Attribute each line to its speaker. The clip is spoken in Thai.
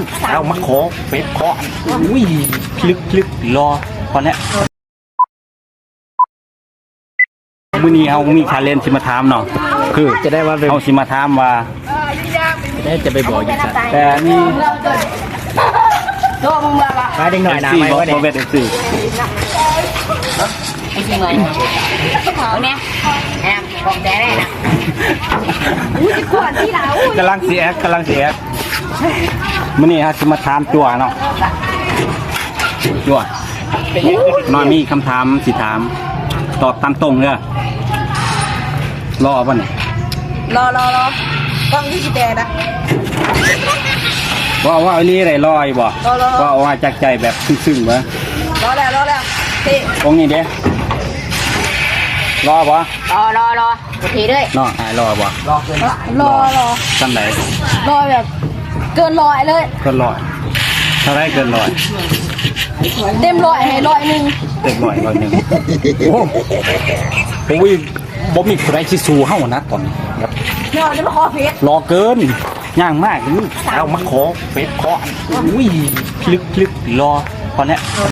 Speaker 1: ลูกสาวมาขอเป็ดขออุ้ยลึกรอตอนนี้มื้อนี้เฮามีชาเลนจ์สิมาถามเนาะคือจะได้ว่าเฮาสิมาถามว่าจะไปบอกอีกแต่นี่ไปเด็กหน่อยนะไปว่าเด็กเป็นสิ
Speaker 2: ไอ้จริงเลยเนี่ยแอบบอกแดได้นะอุ้ยขวดที่เรา
Speaker 1: กำลังเสียมื้อนี้ฮะสิมาถามจั่วเนาะจั่วนอนมีคำถามสิถามตอบตามตรงเด้อรอป่ะเนี่ย
Speaker 2: รอกล้องที่สิแดนะ
Speaker 1: ว่าอันนี้อะไรรออยู่บ่ว่าจากใจแบบซึ้งๆวะ
Speaker 2: รอแล้วที่
Speaker 1: องนี้เด้รอป่ะ
Speaker 2: รอโอเคด้วย
Speaker 1: เนาะรอป่ะ
Speaker 2: รอ
Speaker 1: จำไหน
Speaker 2: รอแบบเกินร้อยเลย
Speaker 1: เกินร้อยเท่าไรเกินร้อย
Speaker 2: เต็มร้อยให้100
Speaker 1: เต็มร้อยโอ้ผมวิ่งบ่มีใครที่สู้เฮานะตอนนี้ครับ
Speaker 2: เดี๋ยวจะมาขอเฟซ
Speaker 1: รอเกินย่างมากลูกสาวมาขอเฟซขออุ้ยลึกรอตอนนี้